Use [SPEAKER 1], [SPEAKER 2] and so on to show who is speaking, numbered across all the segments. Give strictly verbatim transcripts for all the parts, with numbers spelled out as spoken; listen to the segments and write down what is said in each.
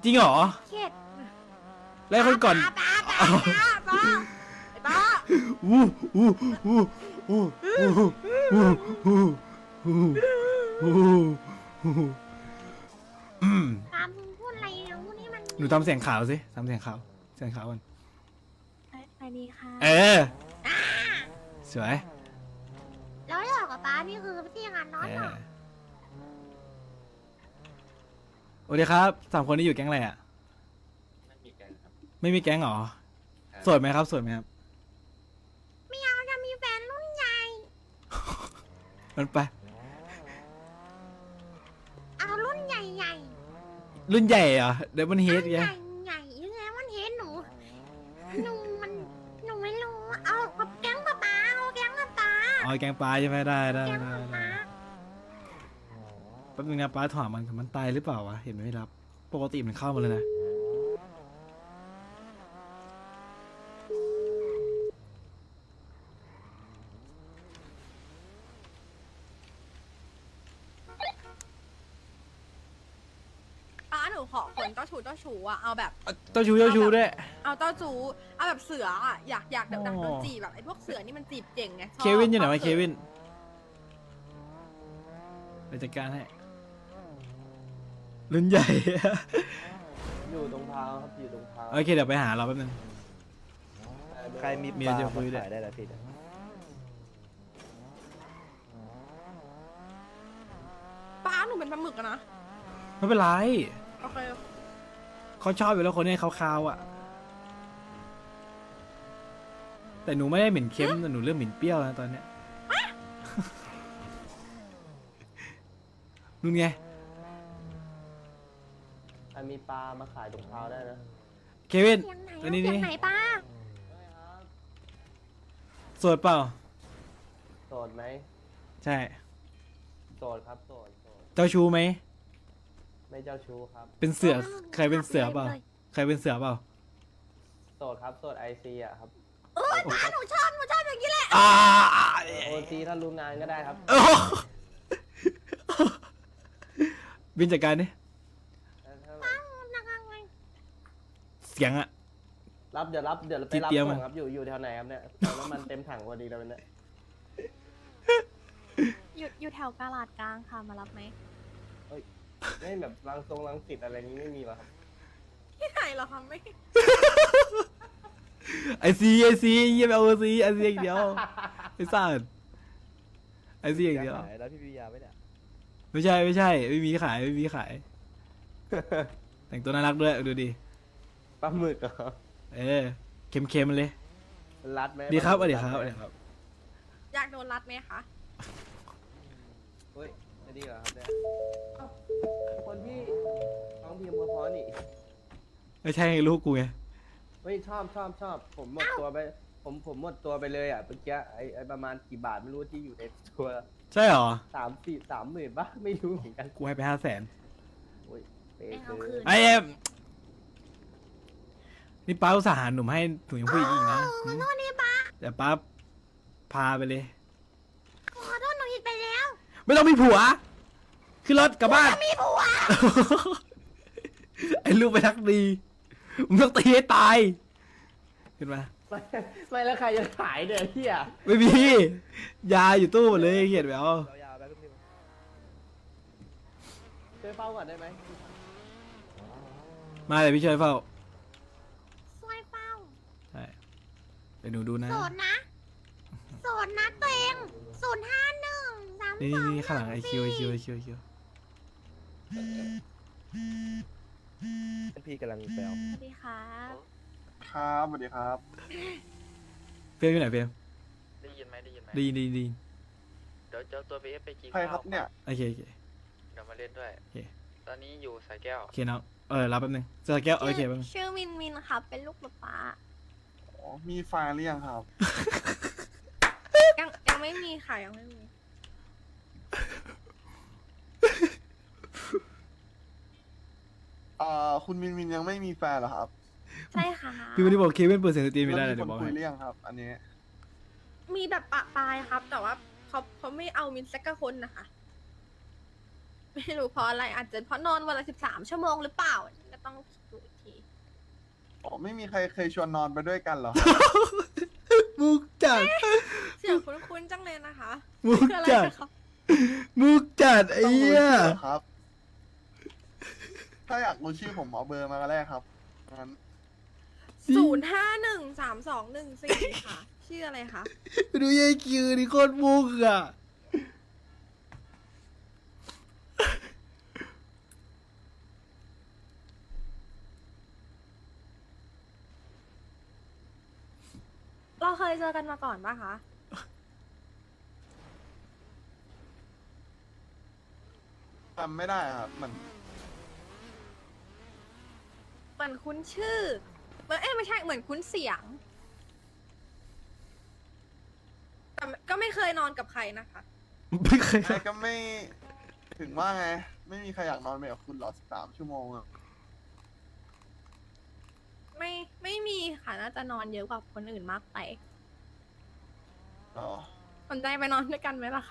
[SPEAKER 1] ริงเหรอ
[SPEAKER 2] เข็ด
[SPEAKER 1] แล้วคนก่อน
[SPEAKER 2] ป้าป้าป้าป้าไอ้ป้า
[SPEAKER 1] อู้อู้อู้อู้อู้อู้อู้อู้อู้อืม
[SPEAKER 2] ตามมึงพูดอะไรนะพูดนี่มัน
[SPEAKER 1] หนูทำเสียงขาวสิทำเสียงขาวเสียงขาวก่อน
[SPEAKER 2] ไปดีค่ะ
[SPEAKER 1] เออสวย
[SPEAKER 2] แล้วหลอกกับป้านี่คือที่งานน้อย
[SPEAKER 1] เอ
[SPEAKER 2] หรอ
[SPEAKER 1] อโอเคครับสามคนนี้อยู่แก๊งอะไรอ่ะ
[SPEAKER 3] ไม่มีแกงครับ
[SPEAKER 1] ไม่มีแก๊งเหรอโสดไหมครับโสดไหมครับ
[SPEAKER 2] ไม่เอาจะมีแฟนรุ่นใหญ่
[SPEAKER 1] มันไป
[SPEAKER 2] เอารุ่นใหญ่ใหญ่
[SPEAKER 1] รุ่นใหญ่เหรอเดบันเฮด
[SPEAKER 2] ให
[SPEAKER 1] ไง
[SPEAKER 2] ญ่ใหญ่ยังไงมันเห็นหนูหนูมันหนูไม่รู้เอากับแก๊งป้าป้าเอาแก๊งป้าป้า
[SPEAKER 1] อ๋อแก๊งปลาใช่ไหมได้ได้
[SPEAKER 2] แก๊ง
[SPEAKER 1] ได้
[SPEAKER 2] ป้า
[SPEAKER 1] ได้
[SPEAKER 2] ป้า
[SPEAKER 1] แป๊บนึงนะป้าถามมันมันตายหรือเปล่าวะเห็นไม่รับปกติมันเข้ามาเลยนะ
[SPEAKER 4] ป้าหนูขอคนเจ้าชู้เจ้าชู้อะเอาแบบ
[SPEAKER 1] เจ้าชู้เจ้าชู้ด้วย
[SPEAKER 4] เอาเจ้าชู้เอาแบบเสืออะอยากอยากแบบดัก
[SPEAKER 1] อ๋อ
[SPEAKER 4] โดนจีบแบบไอ้พวกเสือนี่มันจีบเก่งไงชบ
[SPEAKER 1] เควินอยู่ไหนวะ
[SPEAKER 4] ชบ
[SPEAKER 1] เควินไปจัดการให้รุ่นใหญ่
[SPEAKER 3] อยู่ตรงเท้าครับอยู่ตรงเท้า
[SPEAKER 1] โอเคเดี๋ยวไปหาเราแป๊บนึง
[SPEAKER 5] ใครมี
[SPEAKER 1] เมี
[SPEAKER 5] ป
[SPEAKER 1] ย
[SPEAKER 5] ลา
[SPEAKER 1] จะ
[SPEAKER 5] มา
[SPEAKER 1] คุยด้วย
[SPEAKER 5] ขายได้แล้วพี่เนี่ย
[SPEAKER 4] ป้าหนูเป็นปลาหมึกอะนะ
[SPEAKER 1] ไม่เป็นไร
[SPEAKER 4] โอเค
[SPEAKER 1] เขาชอบอยู่แล้วคนนี้เขาคาวๆอ่ะ แต่หนูไม่ได้เหม็นเค็มแต่หนูเริ่มเหม็นเปรี้ยวแล้วตอนเนี้ยนู่นไง
[SPEAKER 3] ใครมีปลามาขายตรงเท้าได้นะ
[SPEAKER 1] เควิน
[SPEAKER 2] เสียงไหน
[SPEAKER 1] อันนี้
[SPEAKER 2] เสีย
[SPEAKER 1] นี่
[SPEAKER 2] งไหนป้า
[SPEAKER 1] โสดเปล่า
[SPEAKER 3] โสดไหม
[SPEAKER 1] ใช่
[SPEAKER 3] โสดครับโสดโสด
[SPEAKER 1] เจ้าชู้ไหม
[SPEAKER 3] ไม่เจ้าชู้ครับ
[SPEAKER 1] เป็นเสือใครเป็นเสือเปล่าใครเป็นเสือเปล่า
[SPEAKER 3] โสดครับโสดไอซีอ่ะครับ
[SPEAKER 2] เออป้าหนูชอบหนูชอบอย่างนี้แหละ
[SPEAKER 1] อ่า
[SPEAKER 3] โอซีถ้ารู้งานก็ได้ครับ
[SPEAKER 1] โอ้บินจัดการดิ
[SPEAKER 3] ถ้าถ้า
[SPEAKER 2] ป้าหนักอะไร
[SPEAKER 1] เสียงอะ
[SPEAKER 3] รับเดี๋ยวรับเดี๋ยวไป
[SPEAKER 1] ที่
[SPEAKER 3] รับ
[SPEAKER 1] เตรียม
[SPEAKER 3] ส่
[SPEAKER 1] อะ
[SPEAKER 3] งครับอยู่อยู่แถวไหนครับเนี่ยเติมน้ำมันเต็มถังพอดีเลยวันเนี้ย
[SPEAKER 2] อยู่อยู่แถวกาลาดกลางค่ะมารับไหม
[SPEAKER 3] ไม่แบบรังทรงรังสิตอะไรนี้ไม่มีหรอครับ
[SPEAKER 4] ที่ไหนเหรอคะไม่
[SPEAKER 1] ไอซีไอซีเยี่ยมเอาซีไอซีอย่างเดียวไอสัตว์ไอซีอย่างเดียว
[SPEAKER 5] ขายแล้วพี่วิยาไหมเนี่ย
[SPEAKER 1] ไม่ใช่ไม่ใช่ไม่มีขายไม่มีขาย แต่งตัวน่ารักด้วยดูดิ
[SPEAKER 3] ปลาหมึกเหรอ
[SPEAKER 1] เออเค็มเค็มๆเลย
[SPEAKER 3] รัดไหม
[SPEAKER 1] ดีครับส
[SPEAKER 3] ปลา
[SPEAKER 1] วัส
[SPEAKER 3] หมึ
[SPEAKER 1] ดี
[SPEAKER 3] ก
[SPEAKER 1] ครับส
[SPEAKER 3] ด
[SPEAKER 1] วัส
[SPEAKER 3] ไหม
[SPEAKER 1] ดีครับ
[SPEAKER 4] อยากโดนรัดไหมคะ
[SPEAKER 3] เฮ้ยไม่ดีเหรอครับเนี่ยเอ้าคนที่ร้องเพลงเพราะๆนี่
[SPEAKER 1] ไม่ใช่ลูกกูไง
[SPEAKER 3] เฮ้ยชอบชอบชอบผมหมดตัวไปผมผมหมดตัวไปเลยอ่ะเมื่อกี้ไอไอประมาณกี่บาทไม่รู้ที่อยู่ในตัว
[SPEAKER 1] ใช่เหรอ
[SPEAKER 3] สามสี่สามหมื่นปะไม่รู้เหมือนกัน
[SPEAKER 1] กูให้ไปห้าแสน
[SPEAKER 3] โอ้ยเป
[SPEAKER 2] ไม่เอา
[SPEAKER 3] ซื้
[SPEAKER 2] คืน
[SPEAKER 1] ไอเอ็มนี่ป้าอุตส่าห์หาหนุ่มให้หนูยังผู้หญิงอีกนะ
[SPEAKER 2] ขอโทษนี่ป้า
[SPEAKER 1] เดี๋ยวป้าพาไปเลย
[SPEAKER 2] ขอโทษหนูผิดไปแล้ว
[SPEAKER 1] ไม่ต้องมีผัวขึ้นรถกลับบ้าน
[SPEAKER 2] มีผัว
[SPEAKER 1] ไอ้ลูกไปทักดีมึงต้องตีให้ตายขึ้นมา
[SPEAKER 3] ไม่ไม่แล้วใครจะขายเนี่ยเฮีย
[SPEAKER 1] ไม่มียาอยู่ตู้หมดเลยเขียนไว้เอา
[SPEAKER 5] ยาวๆไปพี่
[SPEAKER 3] ช่วยเฝ้าก่อนได้ไหม
[SPEAKER 1] มาเดี๋ยวพี่ช่วยเฝ้า
[SPEAKER 2] ซวยเป้า
[SPEAKER 1] ใช่เดี๋ยวหนูดูนะ
[SPEAKER 2] โสดนะโสดนะตัวเองศูนย์ห้าหนึ่งสาม
[SPEAKER 1] นี่
[SPEAKER 2] สอง
[SPEAKER 1] นี่ข้างหลังไอคิวไอคิวไอคิวไอคิว
[SPEAKER 5] พี่กำลังไปเอา
[SPEAKER 2] สวัสดีครับ
[SPEAKER 6] ครับสวัสดีครับ
[SPEAKER 1] เฟรมอยู่ไหนเฟรม
[SPEAKER 7] ได้ยินไหมได้ยินไหม
[SPEAKER 1] ดีดีดี
[SPEAKER 7] เดี๋ยวเจ้าตัวไปเอฟไปกิน
[SPEAKER 6] ใคร
[SPEAKER 7] ข้าว
[SPEAKER 6] ครับเนี่ย
[SPEAKER 1] โอเคโอเค
[SPEAKER 7] เดี๋ยวมาเล่นด้วย
[SPEAKER 1] โอเค
[SPEAKER 7] ตอนนี้อยู่สายแก้ว
[SPEAKER 1] โอเคน้องเออรับแป๊บนึงจะแก้วโอเคแป๊บนึง
[SPEAKER 2] ชื่อมินมินครับเป็นลูกป๊าป๊า
[SPEAKER 6] อ๋อ มีแฟนหรือยังครับ
[SPEAKER 4] ยังยังไม่มีค่ะยังไม่มี
[SPEAKER 6] เอ่อ คุณมินมินยังไม่มีแฟนเหรอครับ
[SPEAKER 2] ใช่ค่ะ
[SPEAKER 1] พี่วันนี้บอกเควินเปิดเสียงสตรีมไม่
[SPEAKER 6] แล้
[SPEAKER 1] ได้
[SPEAKER 6] ว
[SPEAKER 1] เลย
[SPEAKER 6] มี
[SPEAKER 1] เดี๋ยวบอก
[SPEAKER 6] คนคุ
[SPEAKER 1] ให้
[SPEAKER 6] ยหรือยังครับ อันนี้
[SPEAKER 4] มีแบบปะปลายครับ แต่ว่าเขาเขาไม่เอามินสักกะคนนะคะไม่รู้เพราะอะไรอาจจะเพราะนอนวันละสิบสามชั่วโมงหรือเปล่าก็ต้องดูอีกที
[SPEAKER 6] อ๋อไม่มีใครเคยชวนนอนไปด้วยกันเหรอ
[SPEAKER 1] มุกจัด
[SPEAKER 4] เสียงคุ้นๆจังเลยนะคะ
[SPEAKER 1] มุก
[SPEAKER 4] คืออะไร
[SPEAKER 1] จัด
[SPEAKER 4] นะคะ
[SPEAKER 1] มุกจัดไอ้
[SPEAKER 6] ต้องรู้
[SPEAKER 1] เหี้ย
[SPEAKER 6] ชื่อเหรอครับ ถ้าอยากรู้ชื่อผมเอาเบอร์มาก็ได้ครับงั้น
[SPEAKER 4] ศูนย์ห้าหนึ่งสามสองหนึ่งสี่ค่ะ ชื่ออะไรคะ
[SPEAKER 1] ดูยายคิวนี่โคตรมุกอ่ะ
[SPEAKER 4] เราเคยเจอกันมาก่อนปะคะ
[SPEAKER 6] จำไม่ได้ครับมัน
[SPEAKER 4] เหมือนคุ้นชื่อเหมือนเอ๊ะไม่ใช่เหมือนคุ้นเสียงแต่ก็ไม่เคยนอนกับใครนะคะ
[SPEAKER 1] ไม่เคย
[SPEAKER 6] ไอ้ก็ไม่ถึงว่าไง ไม่มีใครอยากนอนไปกับคุณหรอสามชั่วโมงอะ
[SPEAKER 4] ไม่ไม่มีค่ะน่าจะนอนเยอะกว่าคนอื่นมากไป
[SPEAKER 6] อ๋อ
[SPEAKER 4] สนใจไปนอนด้วยกันไหมล่ะคะ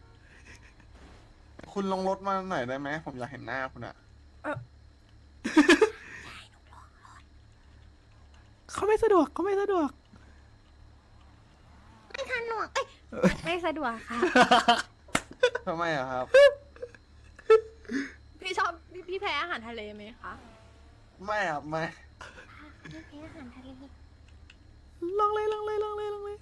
[SPEAKER 6] คุณลงรถมาหน่อยได้ไหมผมอยากเห็นหน้าคุณอะ
[SPEAKER 1] เขาไม่สะดวกเขาไม่สะดวก
[SPEAKER 2] ไม่ทันหนวกเอ้ย
[SPEAKER 4] ไม่สะดวกค่ะ
[SPEAKER 6] ทำไมอะครับ
[SPEAKER 4] พี่ชอบพี่พี่แพ้อาหารทะเลไหมคะ
[SPEAKER 6] ไม่ครับไม่
[SPEAKER 2] ไม่แพ้อาหารทะเล
[SPEAKER 1] ลองเลยลองเลยลองเลยลองเลย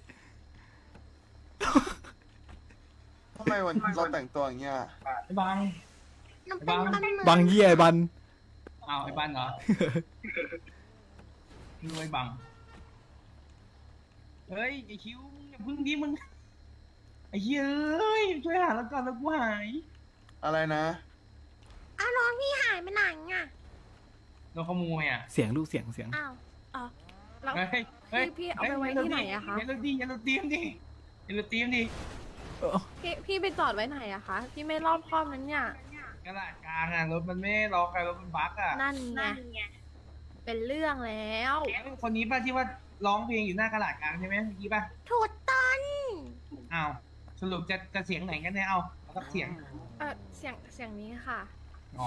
[SPEAKER 6] ทำไมวันเราแต่งตัวอย่างเงี้ย
[SPEAKER 8] ไอ้บัง
[SPEAKER 2] หนูเป็นปลาหมึก
[SPEAKER 1] บางเหี้ยไอ้บัน
[SPEAKER 8] อ้าวไอ้บังเหรอ รวยบัง เฮ้ยไอ้คิวมึงอย่าพึ่งดิมึง ไอ้เหี้ยเอ้ยช่วยหาแล้วก่อนแล้วกูหาย
[SPEAKER 6] อะไรนะ
[SPEAKER 2] อ้าวน้องพี่หายไปไหนอ่ะ
[SPEAKER 8] โดนขโมยอ่ะ
[SPEAKER 1] เสียงลูกเสียงเสียง
[SPEAKER 2] อ้าว
[SPEAKER 4] อ๋อแล้ว
[SPEAKER 8] เฮ้ยเฮ้ย
[SPEAKER 4] พี่พี่เอาไปไว้ที่ไหนอะคะ
[SPEAKER 8] อย่าลุดีอย่าลุดีมดิอย่าลุดีมดิ
[SPEAKER 4] พี่พี่ไปจอดไว้ไหนอะคะพี่ไม่รอบคอบนั้นเนี่ย
[SPEAKER 8] กระดาษกลางอ่ะรถมันไม่ได้ล็อกอะรถมันบั๊กอ่ะ
[SPEAKER 4] นั่นไงเป็นเรื่องแล้ว
[SPEAKER 8] คนนี้ป่ะที่ว่าร้องเพลงอยู่หน้ากระดาษกลางใช่ไหมเมื่อกี้ป่ะ
[SPEAKER 2] ถูกต้น
[SPEAKER 8] อ้าวสรุปจะจะเสียงไหนกันเนี่ยเอาเอาสักเสียง
[SPEAKER 4] เออเสียงเสียงนี้ค่ะ
[SPEAKER 8] อ๋อ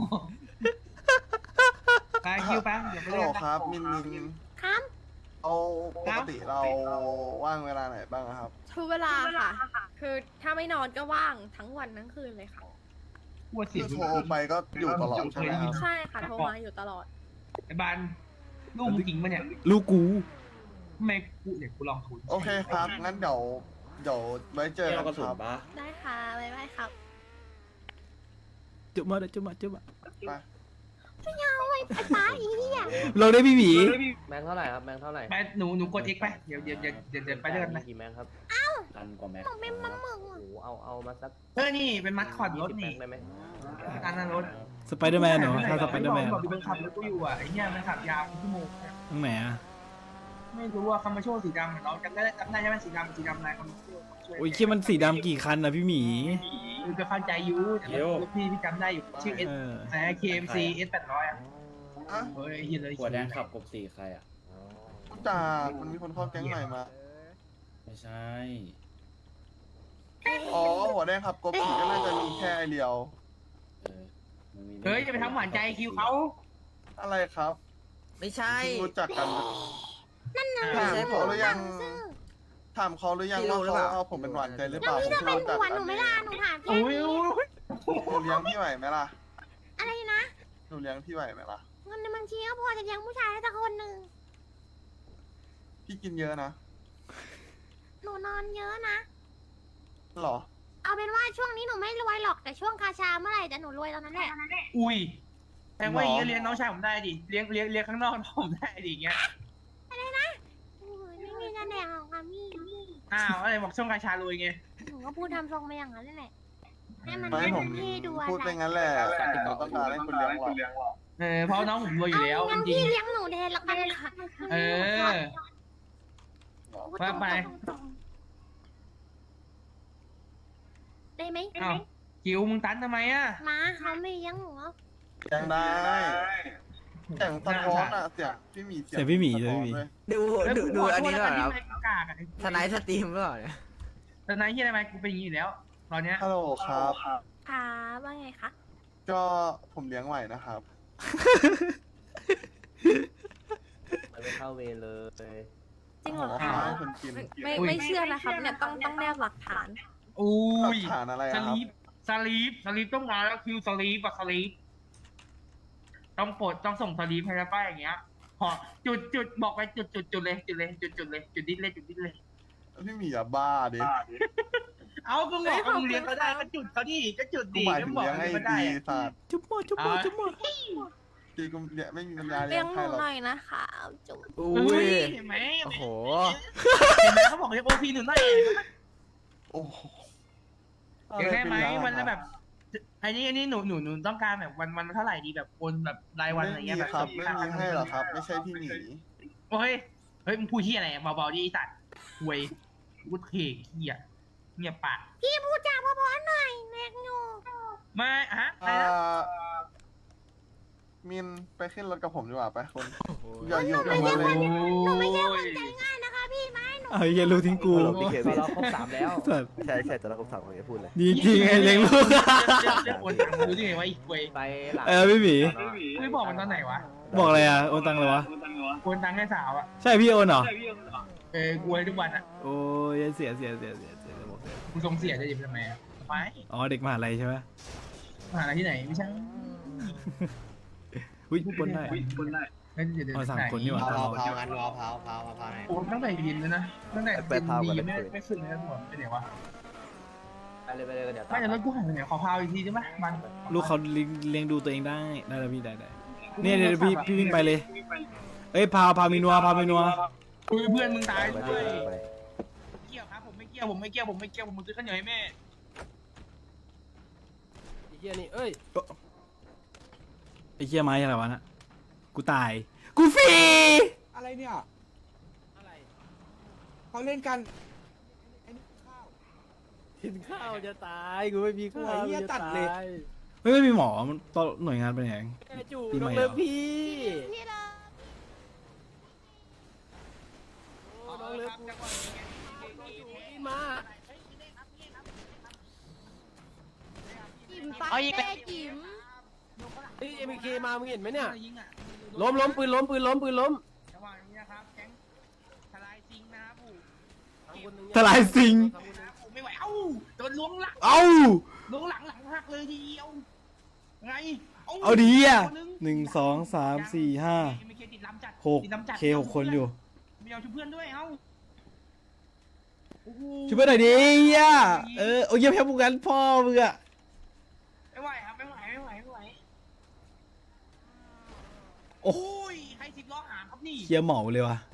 [SPEAKER 8] ไปคิวไปเดี๋ยวไป
[SPEAKER 6] ฮัลโหล
[SPEAKER 8] เล่นนะครับ
[SPEAKER 6] มินมิน
[SPEAKER 2] ครับ
[SPEAKER 6] เอาปกติเราว่างเวลาไหนบ้างอะครับ
[SPEAKER 4] ทุกเวลาค่ะ คือถ้าไม่นอนก็ว่างทั้งวันทั้งคืนเลยค่ะ
[SPEAKER 8] ปวดเสี
[SPEAKER 6] คื
[SPEAKER 8] ย
[SPEAKER 6] อง โทรไปก็อยู่ตลอดใช่ไหมครับ
[SPEAKER 4] ใช่ค่ะโทรมาอยู่ตลอด
[SPEAKER 8] ไอ้บานลูกมึงจริงปะเนี่ย
[SPEAKER 1] ลูกกู
[SPEAKER 8] ทำไมกูเดี๋ยวกูลองทุน
[SPEAKER 6] โอเคครับ งั้นเดี๋ยวเดี๋ยวไว้เจอกันครับ
[SPEAKER 4] ได้ค่ะบ๊ายบายครับ
[SPEAKER 1] จุ๊บมาเด้อจุ๊บมาจุ๊บมา
[SPEAKER 6] ไป
[SPEAKER 2] เอาไอ้ป้าอีเหี้ย
[SPEAKER 1] ลองได้พี่หมี
[SPEAKER 3] แบงค์เท่าไหร่ครับแบงค์เท่าไหร่
[SPEAKER 8] ไปหนูหนูกด X ไปเดี๋ยวเดี๋ยวเดี๋ยวเดี๋ยวเดี๋ยวไปด้วยกันนะ
[SPEAKER 3] กี่แบงค์ครับ
[SPEAKER 7] พันกว่าแม็ก
[SPEAKER 2] หนูเป็นปลาหมึก
[SPEAKER 3] โอ้
[SPEAKER 2] อะ
[SPEAKER 3] โหเอาเอามาสัก
[SPEAKER 8] เออนี่เป็นมัดคอดรถ
[SPEAKER 3] ยี่สิบแบ
[SPEAKER 8] นี่
[SPEAKER 3] งค์ได้ไหม
[SPEAKER 8] อันนั้นรถ
[SPEAKER 1] สไปเดอร์แมนเหรอถ้าสไปเดอร์แมน
[SPEAKER 8] บอกดูเป็นขับรถกูอยู่อ่ะไอ้เนี่ยมันขับยาวเป็นชั่วโมง
[SPEAKER 1] ตรงไหนอ่ะ
[SPEAKER 8] ไม่รู้ว่าคามาโชว์สีดำเหมือนเราจำได้จำได้ใช่ไหมสีดำสีดำลายคามาโชว์
[SPEAKER 1] โอ้ยคิดมันสีดำกี่คันนะพี่หมี
[SPEAKER 8] คือก็เข้าใจอยู่แต่รถพี่พี่จำได้อยู่ชื่อ S
[SPEAKER 1] เออ
[SPEAKER 8] อะไร เค เอ็ม ซี เอส แปดร้อยอ่ะ
[SPEAKER 6] อ่ะ
[SPEAKER 8] เฮ้ยไอ้เหี้ยเลย
[SPEAKER 7] หัวแดงขับกบสี่ใครอ่ะ
[SPEAKER 6] รู้จากมันมีคนเข้าแก๊งใหม่มา
[SPEAKER 7] ไม่ใช่
[SPEAKER 6] อ๋อ หัวแดงครับกบผีก็น่าจะมีแค่ไอเดียว
[SPEAKER 7] เออมันมี
[SPEAKER 8] เฮ้ยจะไปทำหวานใจคิวเขา
[SPEAKER 6] อะไรครับ
[SPEAKER 9] ไม่ใช่
[SPEAKER 6] เพิ่งรู้จักกัน
[SPEAKER 2] นั่นน่ะ
[SPEAKER 6] ถามเขาหรือยัง
[SPEAKER 2] ซื่อ
[SPEAKER 6] ถามเขาหรือยัง
[SPEAKER 9] พี่รู้
[SPEAKER 6] ว่า
[SPEAKER 9] หรือเป
[SPEAKER 6] เขา
[SPEAKER 9] ล่า
[SPEAKER 6] เอาผมเป็นหวานใจหรือเป
[SPEAKER 2] แล้ว
[SPEAKER 6] ล่า
[SPEAKER 2] พี่จะ
[SPEAKER 6] ผม
[SPEAKER 2] เป็น
[SPEAKER 6] รู้จัก
[SPEAKER 2] ผัว
[SPEAKER 6] กั
[SPEAKER 2] หนูไหม่ล่ะหนูถามแค่
[SPEAKER 8] โอ้ย
[SPEAKER 2] นี้
[SPEAKER 8] โอ้ย
[SPEAKER 6] หนูเลี้ยงพี่ไหวไหมล่ะ
[SPEAKER 2] อะไรนะ
[SPEAKER 6] หนูเลี้ยงพี่ไหวไหมล่ะ
[SPEAKER 2] เงินในบัญชีก็พอจะเลี้ยงผู้ชายได้สักคนหนึ่ง
[SPEAKER 6] พี่กินเยอะนะ
[SPEAKER 2] หนูนอนเยอะนะ
[SPEAKER 6] หรอ
[SPEAKER 2] เอาเป็นว่าช่วงนี้หนูไม่รวยหรอกแต่ช่วงคาชาเมื่อไหร่จะหนูรวยตอนนั้นแหละ
[SPEAKER 8] อุ้ยแต่ว่าอย่างเงี้ยเลี้ยงน้องชายผมได้ดิเลี้ยงเลี้ยงเลี้ยงข้างนอกผมได้ดิอย่างเงี้ย
[SPEAKER 2] โอ้ยไม่มีจะแดกหรอกค่ะพี่
[SPEAKER 8] อ้าวอะไรบอกช่วงกาชารวยไง
[SPEAKER 2] หนูก็พูดทำทรงไปอย่างนั้นแหละให้มัน
[SPEAKER 6] ไม่
[SPEAKER 2] ให้
[SPEAKER 6] ผ
[SPEAKER 2] มั
[SPEAKER 6] ม
[SPEAKER 2] นพี่ดูอะ
[SPEAKER 6] พูดไป
[SPEAKER 2] ไร
[SPEAKER 6] งั้นแหละหนูต้องการให้คุณเลี้ยงหรอก
[SPEAKER 8] เออเพราะน้องผมรวยอยู่แล้ว
[SPEAKER 2] งั้น
[SPEAKER 8] จริง
[SPEAKER 2] พี่เลี้ยงหนูแทนละกันค่ะ
[SPEAKER 8] เออ ว่าไป
[SPEAKER 2] ได้ไหม
[SPEAKER 8] อ้าวคิวมึงตันทำไมอ่ะ
[SPEAKER 2] มาเขาไม่เลี้ยงหนูหรอก
[SPEAKER 6] ยังได้เสียงสะท้อนอะเสียงพี่หมี
[SPEAKER 1] เสียงพี่หมี
[SPEAKER 6] สะ
[SPEAKER 1] เสียง
[SPEAKER 6] ท้อน
[SPEAKER 1] พี่หมี
[SPEAKER 6] ด้วย
[SPEAKER 9] ดูดูดูอันนี้หน่อยครับ
[SPEAKER 8] กากอะ
[SPEAKER 9] ทนายสตรีมหรือเปล่าเนี่ย
[SPEAKER 8] ทนายที่อะไรมากูเป็นอย่างนี้อยู่แล้ว ตอนเนี้ย
[SPEAKER 6] ฮัลโหลครับ
[SPEAKER 4] ค่ะว่าไงคะ
[SPEAKER 6] ก็ผมเลี้ยงไหวนะครับ
[SPEAKER 3] มันไม่เข้าเวรเลย
[SPEAKER 4] จริงเหรอ
[SPEAKER 6] ขอ
[SPEAKER 4] คะ
[SPEAKER 6] ให้คนกิน
[SPEAKER 4] ไม่ไม่เชื่อนะครับเนี่ยต้องต้องแนบหลักฐาน
[SPEAKER 8] อุ้
[SPEAKER 6] หลั
[SPEAKER 8] ย
[SPEAKER 6] กฐานอะไร
[SPEAKER 8] ส
[SPEAKER 6] อะครับ
[SPEAKER 8] ลีปสลีปสลีปต้องมาแล้วคิวสลีปอะสลีปต้องปลดต้องส่งสลีปให้แล้วป้าอย่างเงี้ยพอจุดจุดบอกไปจุดจุดจุดเลยจุดเลยจุดจุดเลยจุดดิ้นเลยจุดดิ้นเลย
[SPEAKER 6] พี่หมีอย่าบ้าดิ
[SPEAKER 8] เอาก็บอกว่ามึงเลี้ยงเขาได้ก็จุดเขาดิก็จุด
[SPEAKER 6] กู
[SPEAKER 8] ดิ
[SPEAKER 6] หมาย
[SPEAKER 8] ก็
[SPEAKER 6] ถึง
[SPEAKER 8] บอก
[SPEAKER 6] เลี้ยงให้
[SPEAKER 8] เขาได้
[SPEAKER 6] ดี
[SPEAKER 8] อะ
[SPEAKER 6] สัตว์
[SPEAKER 1] จุ๊บหมดจุ๊บหมดจุ๊บหมด
[SPEAKER 6] ดีกูเนี่ยไม่มีปัญญา
[SPEAKER 2] เลี้
[SPEAKER 6] เลี้
[SPEAKER 2] ย
[SPEAKER 6] ย
[SPEAKER 2] ง
[SPEAKER 6] ง
[SPEAKER 2] ห
[SPEAKER 6] ใคร
[SPEAKER 2] นู
[SPEAKER 6] หรอก
[SPEAKER 2] หน่อยนะคะจุ๊บ
[SPEAKER 1] อุ้
[SPEAKER 8] อุ้
[SPEAKER 1] ย
[SPEAKER 8] ยเห็นไหม
[SPEAKER 9] โอ้โห
[SPEAKER 8] เห็นไหมเขาบอกให้โอพีหนึ่งหน่อย
[SPEAKER 6] โอ้โห
[SPEAKER 8] เลี้ยงได้ไหมวันละแบบอันนี้อันนี้หนูหนูหนูต้องการแบบวันวันละเท่าไหร่ดีแบบโอนแบบรายวันอะไร
[SPEAKER 6] ไม่
[SPEAKER 8] เงี้
[SPEAKER 6] มี
[SPEAKER 8] ยแบบ
[SPEAKER 6] ครับไม่มีให้หรอกครับ ไม่ใช่พี่หมี
[SPEAKER 8] โอ้ยเฮ้ยมึงพูดที่อะไรเบาๆดิไอ้สัตว์หวยพูดเข่เหี้ยเงียบปาก
[SPEAKER 2] พี่พูดจาเพราะๆหน่อยเล็กหนู
[SPEAKER 8] มาฮะอะไร
[SPEAKER 6] อ่า
[SPEAKER 8] นะ
[SPEAKER 6] มินไปขึ้นรถกับผมดีกว่าไปคนอย่าอยู่กับ
[SPEAKER 2] ไม่
[SPEAKER 6] มัน
[SPEAKER 2] ใช่
[SPEAKER 6] เล
[SPEAKER 2] คน
[SPEAKER 6] ย
[SPEAKER 2] หนูไม่ใช่คนใจง่ายนะคะพี่ไม้หนู
[SPEAKER 1] เอาไอ้เหี้ยรู้ทิ้งกู
[SPEAKER 5] ฮัลโหลพี่เควิน
[SPEAKER 3] เราครบสามแล้ว
[SPEAKER 1] สัตว์
[SPEAKER 5] ใช่ใช่แต่เราครบสามคนจะพูดเลย
[SPEAKER 1] ดีจริงไอ้เลี้ยงลูก
[SPEAKER 8] เรื่องเรื่องโอนตังค์รู้ได้ไงวะไอ้หวย
[SPEAKER 3] ไปหลัง
[SPEAKER 1] เออพี่หมี
[SPEAKER 8] ไม่บอกมันตอนไหนวะ
[SPEAKER 1] บอกอะไรอ่ะโอนตังค์เลยวะ
[SPEAKER 8] โอนตังค์ให้สาวอ่ะ
[SPEAKER 1] ใช่พี่โอนเหรอ
[SPEAKER 8] เออกูให้ทุกวันอ่ะ
[SPEAKER 1] โอ้ยเสียเสียเสียเสียเสียระบบเสีย
[SPEAKER 8] กูส่งเสียจะหยิบทำไมอ่ะไป
[SPEAKER 1] อ๋อเด็กมหาลัยใช่ไหม
[SPEAKER 8] มหาอะไรที่ไหนไม่ใช่
[SPEAKER 1] อุ้ยปนได้
[SPEAKER 8] ไม่เดี๋ยวเดี๋ยว
[SPEAKER 1] อ๋อสามคนนี่หว่า
[SPEAKER 3] เผาเผากันเผาเผาเผาเผาไหน
[SPEAKER 8] โอ้ตั้งแต่ยินเลยนะตั้งแต่
[SPEAKER 5] ไป
[SPEAKER 8] ยิน
[SPEAKER 5] พาว
[SPEAKER 8] ดี
[SPEAKER 5] กัน
[SPEAKER 8] ไม่
[SPEAKER 5] เลย
[SPEAKER 8] ไม่ขึ้นเลยนะผมไปไหนวะ
[SPEAKER 3] ไปเลยไปเลยเดี๋ยว
[SPEAKER 8] ไม่แต่รถกูหายไปไหนขอพาวอีกทีได้ไหมมัน
[SPEAKER 1] ลูกเขาเลี้ยงเลี้ยงดูตัวเองได้ได้แล้วพี่ได้ได้เนี่ยเดี๋ยวพี่พี่วิ่งไปเลย เอ้ยพาพามีนัวพามีนัว
[SPEAKER 8] คุยเพื่อนมึงตาย
[SPEAKER 5] ไป
[SPEAKER 8] ด้วย
[SPEAKER 5] ไป
[SPEAKER 8] เกี่ยวครับผมไม่เกี่ยวผมไม่เกี่ยวผมไม่เกี่ยวผมซื้อข้าวเหนียวให้แม่
[SPEAKER 3] ไอ้เหี้ยนี่เอ้ย
[SPEAKER 1] ไอ้เหี้ยไม้อะไรวะน่ะกูตายกูฟรี
[SPEAKER 10] อะไรเนี่ยเขาเล่นกัน
[SPEAKER 3] กินข้าวจะตายกูไม่มีข้าว
[SPEAKER 10] ไอ้เหี้ยตัดเลย
[SPEAKER 1] เฮ้ยไม่มีหมอมันตอนหน่วยงานเป็นยังไง
[SPEAKER 3] จู่
[SPEAKER 1] ปีใหม่
[SPEAKER 3] น้อง
[SPEAKER 1] เหรอ
[SPEAKER 3] เลิฟพี่
[SPEAKER 2] พี่เลย
[SPEAKER 3] น้องเลิฟมา
[SPEAKER 2] จิ๋มปักเต้จิ๋ม
[SPEAKER 3] เฮ้ยเอ็มเคมามึงเห็นไหมเนี่ย
[SPEAKER 8] ยิงอ่ะ
[SPEAKER 3] ล้มล้มปืนล้มปืนล้มปืนล้ม
[SPEAKER 8] ระหว่างนี้นะครับแก๊งทลายซิงนะครับผม
[SPEAKER 1] ทลายสิง
[SPEAKER 8] นะครับผมไม่ไหวเอ้าโดนล้วงหลัง
[SPEAKER 1] เอ้า
[SPEAKER 8] ล้วงหลังหลังหักเลยทีเดียวไง
[SPEAKER 1] เอาดีอ่ะ
[SPEAKER 8] ตัว
[SPEAKER 1] หนึ่งสองสามสี่ห้า
[SPEAKER 8] ไม่เคติดลำจัด
[SPEAKER 1] หก
[SPEAKER 8] ติดลำจัด
[SPEAKER 1] เคหกคนอยู่
[SPEAKER 8] ไม่เอาช่วยเพื่อนด้วยเอ้าโอ้โห
[SPEAKER 1] ช่วยเพื่อนหน่อยดิเหี้ยเออโอ้ยเยี่ยมแพ้พวกกันพ่อมึงอะ
[SPEAKER 8] ไม่ไหวครับไม่ไหวไม่ไหวไม่ไหว
[SPEAKER 1] โอ้
[SPEAKER 8] โอ้ยใครสิบล้อหามครับนี่
[SPEAKER 1] เคียเหมาเลยวะ